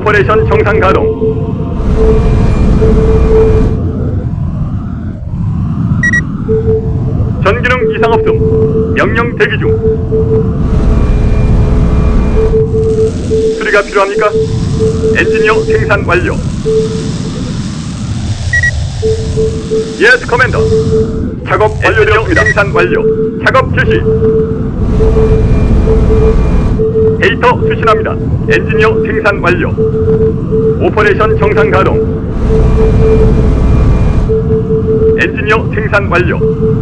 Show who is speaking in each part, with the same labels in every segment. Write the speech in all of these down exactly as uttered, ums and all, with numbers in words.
Speaker 1: 오퍼레이션 정상 가동. 전기능 이상 없음. 명령 대기 중. 수리가 필요합니까? 엔지니어 생산 완료. 예스 커맨더. 작업 완료되었습니다. 생산 완료. 작업 실시. 데이터 수신합니다. 엔지니어 생산 완료. 오퍼레이션 정상 가동. 엔지니어 생산 완료.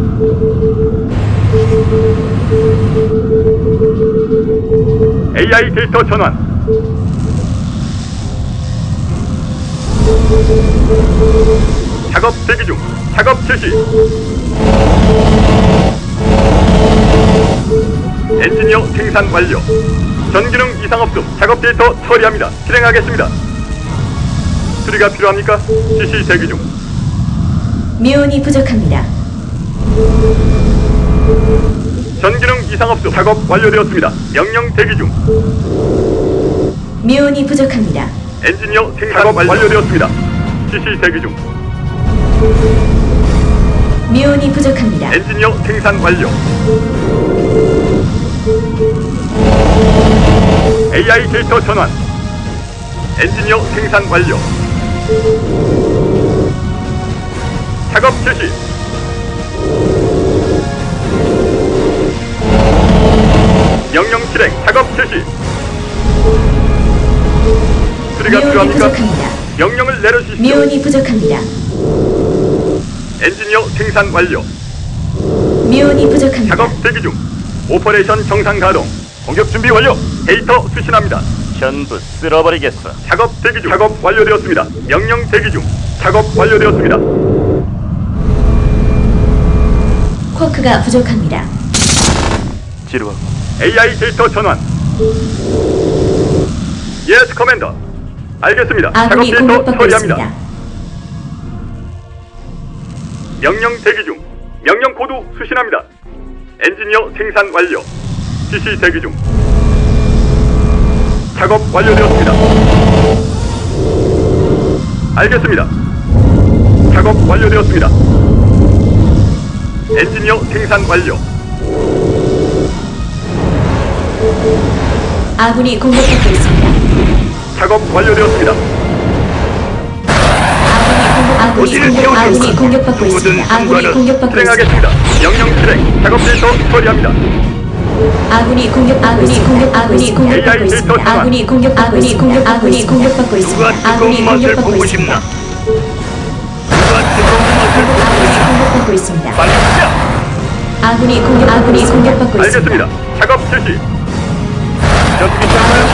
Speaker 1: 에이아이 데이터 전환. 작업 대기 중. 작업 실시. 엔지니어 생산 완료. 전기능 이상 없음. 작업 데이터 처리합니다. 실행하겠습니다. 수리가 필요합니까? 지시 대기 중.
Speaker 2: 미온이 부족합니다.
Speaker 1: 전기능 이상 없음. 작업 완료되었습니다. 명령 대기 중.
Speaker 2: 미온이 부족합니다.
Speaker 1: 엔지니어 생산 작업 완료되었습니다. 지시 대기 중.
Speaker 2: 미온이 부족합니다.
Speaker 1: 엔지니어 생산 완료. 에이아이 데이터 전환. 엔지니어 생산 완료. 작업 실시. 명령 실행. 작업 실시. 수리가
Speaker 2: 미온이
Speaker 1: 필요합니까?
Speaker 2: 부족합니다.
Speaker 1: 명령을 내려주십시오.
Speaker 2: 미온이 부족합니다.
Speaker 1: 엔지니어 생산 완료.
Speaker 2: 미온이 부족합니다.
Speaker 1: 작업 대기 중. 오퍼레이션 정상 가동. 공격 준비 완료. 데이터 수신합니다.
Speaker 3: 전부 쓸어버리겠어.
Speaker 1: 작업 대기 중. 작업 완료되었습니다. 명령 대기 중. 작업 완료되었습니다.
Speaker 2: 쿼크가 부족합니다.
Speaker 3: 지루하.
Speaker 1: 에이아이 데이터 전환. 예스 커맨더. 알겠습니다. 작업
Speaker 2: 아군이
Speaker 1: 데이터
Speaker 2: 공격받고
Speaker 1: 처리합니다.
Speaker 2: 있습니다.
Speaker 1: 명령 대기 중. 명령 코드 수신합니다. 엔지니어 생산 완료. 지시 대기 중. 작업 완료되었습니다. 알겠습니다. 작업 완료되었습니다. 엔지니어 생산 완료.
Speaker 2: 아군이 공격받고 있습니다.
Speaker 1: 작업 완료되었습니다.
Speaker 2: 아군이 공격, 아군이 공격받고 있습니다. 아군이 공격받고 있습니다.
Speaker 1: 실행하겠습니다. 명령 실행. 작업 데이터 처리합니다.
Speaker 2: 아군이 공격, 아군이 공격, 아군이 공격받고 있습니다. 아군이 공격, 아군이 공격, 아군이 공격받고 있습니다. 아군이 공격받고 있습니다. 공격받고 있습니다.
Speaker 1: 빨리 시작.
Speaker 2: 아군이 공격, 아군이 공격받고 있습니다.
Speaker 1: 알겠습니다. 작업 실시. 전투기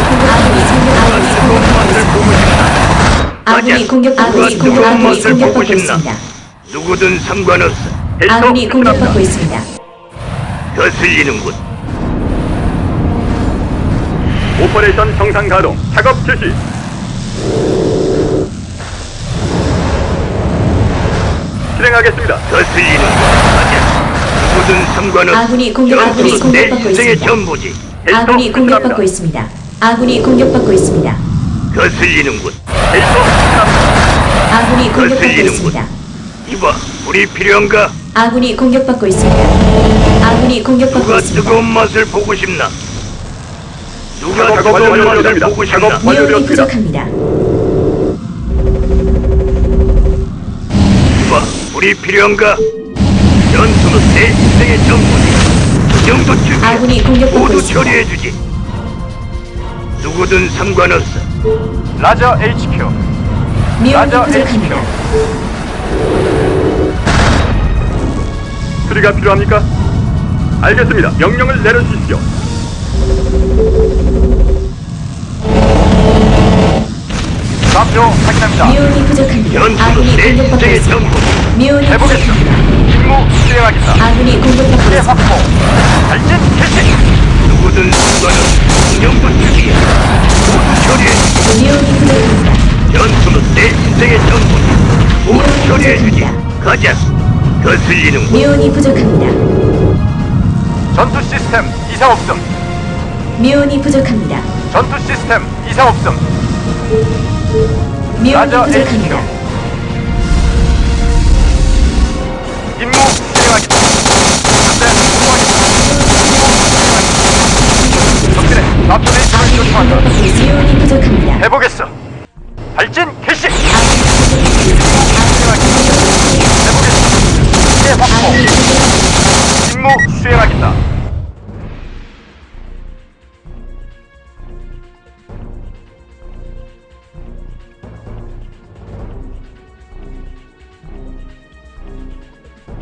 Speaker 2: 아군이 공격, 아군이 공격, 아군이 공격받고 있습니다.
Speaker 4: 누구든 상관없어.
Speaker 2: 아군이 공격받고 있습니다.
Speaker 4: 거슬리는군.
Speaker 1: 오퍼레이션 정상 가동. 작업 실시. 실행하겠습니다.
Speaker 4: 거슬리는군. 맞아. 누구든 상관없어.
Speaker 2: 아군이 공격, 아군이
Speaker 4: 전투는 내
Speaker 2: 공격받고
Speaker 4: 인생의
Speaker 2: 있습니다.
Speaker 4: 전부지.
Speaker 2: 아군이 공격받고 있습니다. 아군이 공격받고 있습니다.
Speaker 4: 거슬리는군.
Speaker 1: 데이터 수신합니다.
Speaker 2: 아군이 공격받고
Speaker 4: 거슬리는군.
Speaker 2: 있습니다.
Speaker 4: 이봐, 우리 필요한가?
Speaker 2: 아군이 공격받고 있습니다. 아군이 공격받고
Speaker 4: 누가
Speaker 2: 있습니다.
Speaker 4: 뜨거운 맛을 보고 싶나? 누가
Speaker 1: 작업
Speaker 4: 뜨거운 맛을
Speaker 1: 완료되었습니다.
Speaker 4: 보고
Speaker 1: 작업
Speaker 4: 싶나?
Speaker 2: 미온이
Speaker 1: 완료되었습니다.
Speaker 2: 부족합니다.
Speaker 4: 이봐, 우리 필요한가? 전투는 내 인생의 전부지. 그 정도 준비.
Speaker 2: 아군이 공격받고
Speaker 4: 모두
Speaker 2: 있습니다.
Speaker 4: 처리해주지. 누구든 상관없어.
Speaker 3: 라저 에이치큐.
Speaker 2: 미온이
Speaker 3: 라저
Speaker 2: 부족합니다.
Speaker 1: 수리가 필요합니까? 알겠습니다. 명령을 내려주십시오.
Speaker 3: 좌표 확인합니다.
Speaker 2: 미온이 부족합니다.
Speaker 4: 전투는
Speaker 2: 아군이
Speaker 4: 내
Speaker 2: 공격받고
Speaker 4: 인생의
Speaker 2: 있습니다.
Speaker 4: 전부지.
Speaker 2: 미온이
Speaker 3: 해보겠습니다.
Speaker 2: 부족합니다.
Speaker 3: 임무 수행하겠다.
Speaker 2: 아군이 공격받고
Speaker 3: 의
Speaker 2: 있습니다.
Speaker 3: 확보. 발진 개시.
Speaker 4: 누구든 상관없어. 그 정도 준비야. 모두 처리해주지.
Speaker 2: 미온이 부족합니다.
Speaker 4: 전투는 내 인생의 전부지. 모두
Speaker 2: 미온이
Speaker 4: 처리해주지.
Speaker 2: 부족합니다.
Speaker 4: 가자. 거슬리는군.
Speaker 2: 미온이 부족합니다.
Speaker 3: 전투 시스템 이상 없음.
Speaker 2: 미온이 부족합니다.
Speaker 3: 전투 시스템 이상 없음.
Speaker 2: 미온이
Speaker 3: 라저
Speaker 2: 부족합니다.
Speaker 3: 임무 수행하겠다. 현재 수행하겠다. 적진의 좌표 데이터를 조심한다.
Speaker 2: 공격받고 있습니다. 미온이 부족합니다.
Speaker 3: 해보겠어. 발진 개시.
Speaker 2: 아군이
Speaker 3: 해보겠어. 이제 확보.
Speaker 2: 아군이 공격
Speaker 3: 임무 수행하겠다.